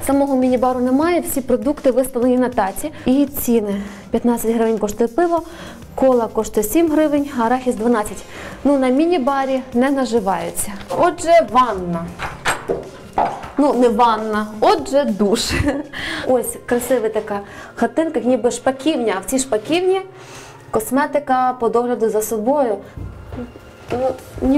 Самого міні-бару немає, всі продукти виставлені на таці. І ціни. 15 гривень коштує пиво, кола коштує 7 гривень, а арахіс 12. Ну, на міні-барі не наживаються. Отже, ванна. Ну, не ванна, отже, душ. Ось красива така хатинка, ніби шпаківня. А в цій шпаківні косметика по догляду за собою. Ну,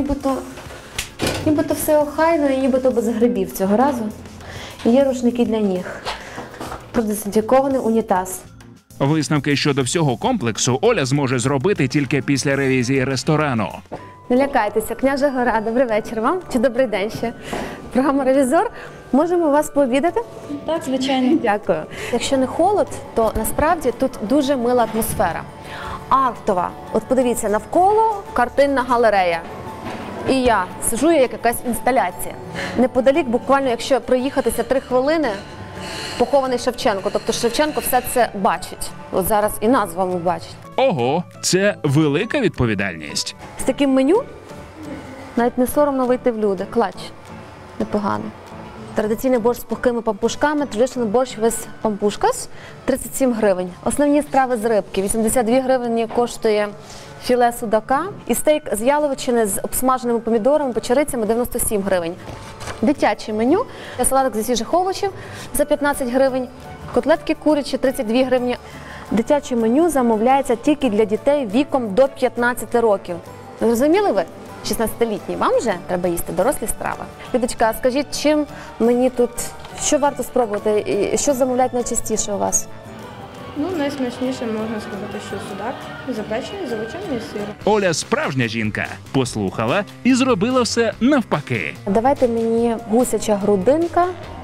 нібито все охайно і нібито без грибів цього разу. Є рушники для ніг. Продезінфікований унітаз. Висновки щодо всього комплексу Оля зможе зробити тільки після ревізії ресторану. Не лякайтеся, княжа Гора, добрий вечір вам, чи добрий день ще. Програма «Ревізор». Можемо вас пообідати? Так, звичайно. Дякую. Якщо не холод, то насправді тут дуже мила атмосфера. Артова. От подивіться, навколо картинна галерея. І я сиджу як якась інсталяція. Неподалік, буквально, якщо проїхатися 3 хвилини, похований Шевченко. Тобто Шевченко все це бачить. От зараз і нас з вами бачить. Ого, це велика відповідальність. З таким меню навіть не соромно вийти в люди. Клач. Непогано. Традиційний борщ з пухкими пампушками, traditional борщ with пампушкас, 37 гривень. Основні страви з рибки, 82 гривні коштує філе судака. І стейк з яловичини з обсмаженими помідорами, печерицями, 97 гривень. Дитяче меню, салатик зі свіжих овочів за 15 гривень, котлетки курячі, 32 гривні. Дитяче меню замовляється тільки для дітей віком до 15 років. Зрозуміли ви? 16-літні, вам вже треба їсти дорослі страви. Людочка, а скажіть, чим мені тут, що варто спробувати, і що замовляють найчастіше у вас? Ну, найсмачніше можна сказати, що судак, запечений, звичайний сир. Оля справжня жінка. Послухала і зробила все навпаки. Давайте мені гусяча грудинка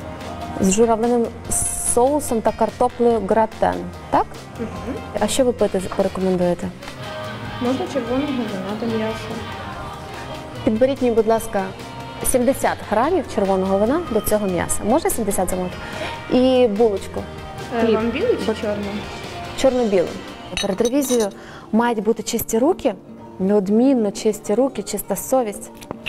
з журавлиним соусом та картоплею гратен, так? Угу. А що ви пити порекомендуєте? Можна червоного вина до м'яса. Підберіть мені, будь ласка, 70 грамів червоного вина до цього м'яса. Можна 70 замовити? І булочку. Хліб. Вам білий чи чорний? Чорно-білий. Перед ревізією мають бути чисті руки, неодмінно чисті руки, чиста совість.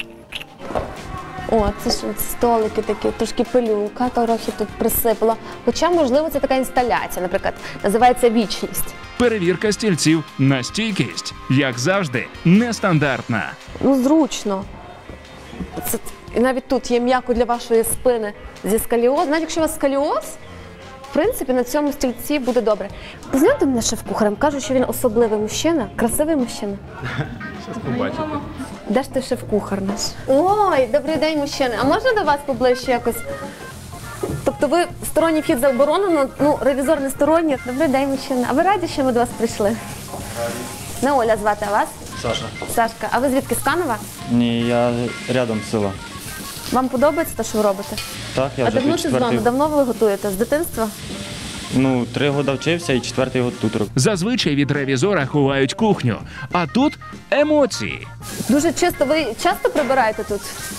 О, це ж столики такі, трошки пилюка, трохи тут присипала. Хоча, можливо, це така інсталяція, наприклад, називається «Вічність». Перевірка стільців на стійкість, як завжди, нестандартна. Ну, зручно. Це, і навіть тут є м'яко для вашої спини зі сколіозом. Навіть якщо у вас сколіоз, в принципі, на цьому стільці буде добре. Познайомте мене шеф-кухарем, кажуть, що він особливий мужчина, красивий мужчина. Щас побачите. Де ж ти шеф-кухар наш? Ой, добрий день, мужчини. А можна до вас поближче якось? Тобто ви сторонній вхід заборонено, ну, ревізор не сторонній. Добрий день, мужчина. А ви раді, що ми до вас прийшли? Не Оля звати, а вас? Саша. Сашка. А ви звідки, з Канева? Ні, я рядом з села. Вам подобається те, що ви робите? Так, я А вже давно тут це з вами? четвертий. Давно ви готуєте? З дитинства? Ну, 3 роки вчився і 4-й год тут роблю. Зазвичай від ревізора ховають кухню, а тут емоції. Дуже чисто. Ви часто прибираєте тут?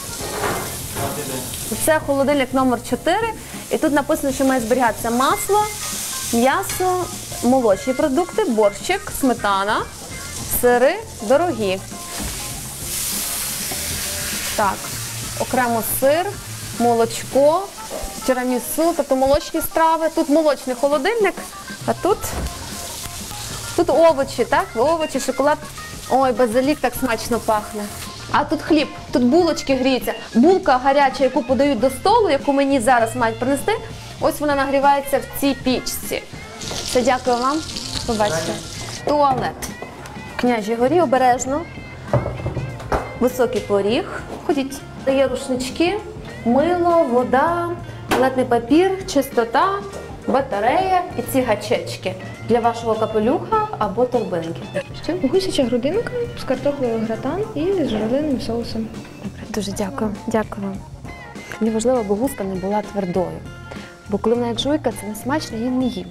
Це холодильник номер 4. І тут написано, що має зберігатися масло, м'ясо, молочні продукти, борщик, сметана, сири дорогі. Так, окремо сир, молочко, тірамісу, тобто молочні страви. Тут молочний холодильник, а тут овочі, так? Овочі, шоколад. Ой, базилік так смачно пахне. А тут хліб, тут булочки гріються. Булка гаряча, яку подають до столу, яку мені зараз мають принести, ось вона нагрівається в цій пічці. Все, дякую вам. Побачите. Туалет. В Княжій Горі обережно. Високий поріг. Ходіть. Є рушнички, мило, вода, туалетний папір, чистота, батарея і ці гачечки для вашого капелюха або торбинки. Гусяча грудинка з картоплею гратан і з журавлиним соусом. Дуже дякую. Дякую вам. Мені важливо, аби гуска не була твердою. Бо коли вона як жуйка, це не смачно, я не їм.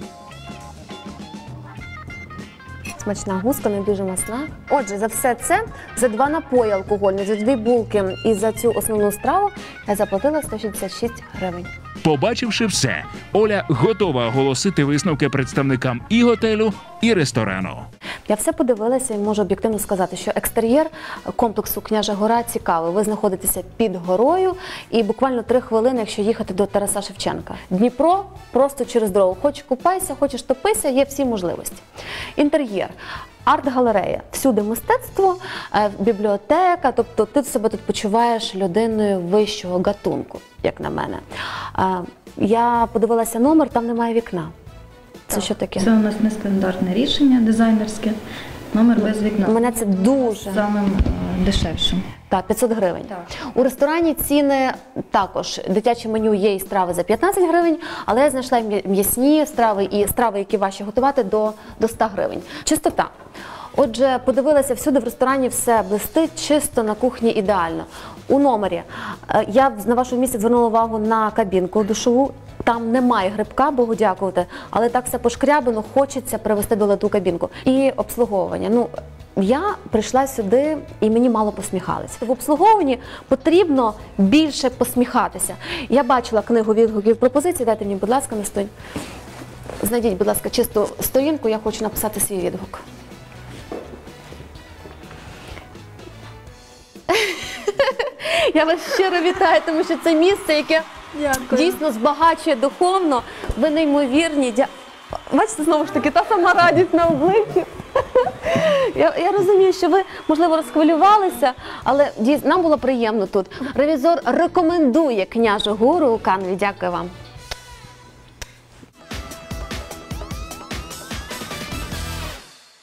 Смачна гуска, не дуже масна. Отже, за все це, за 2 напої алкогольні, за 2 булки і за цю основну страву я заплатила 166 гривень. Побачивши все, Оля готова оголосити висновки представникам і готелю, і ресторану. Я все подивилася і можу об'єктивно сказати, що екстер'єр комплексу «Княжа Гора» цікавий. Ви знаходитеся під горою і буквально 3 хвилини, якщо їхати до Тараса Шевченка. Дніпро просто через дорогу. Хоч купайся, хочеш топися, є всі можливості. Інтер'єр. Арт-галерея. Всюди мистецтво, бібліотека, тобто ти себе тут почуваєш людиною вищого гатунку, як на мене. Я подивилася номер, там немає вікна. Це що таке? Це у нас нестандартне рішення дизайнерське, номер без вікна. Мене це дуже... Самим дешевшим. Так, 500 гривень. Так. У ресторані ціни також. Дитяче меню є і страви за 15 гривень, але я знайшла м'ясні страви і страви, які важче готувати, до 100 гривень. Чистота. Отже, подивилася, всюди в ресторані все блистить, чисто, на кухні ідеально. У номері я на вашому місці звернула увагу на кабінку душову. Там немає грибка, Богу дякувати, але так все пошкрябано, хочеться привести до ладу кабінку. І обслуговування. Ну, я прийшла сюди і мені мало посміхалися. В обслуговуванні потрібно більше посміхатися. Я бачила книгу відгуків пропозицій, дайте мені, будь ласка, на сторінку. Знайдіть, будь ласка, чисту сторінку, я хочу написати свій відгук. Я вас щиро вітаю, тому що це місце, яке дійсно збагачує духовно. Ви неймовірні. Бачите, знову ж таки, та сама радість на обличчі. Я розумію, що ви, можливо, розхвилювалися, але дійсно нам було приємно тут. Ревізор рекомендує «Княжу Гору» у Каневі. Дякую вам.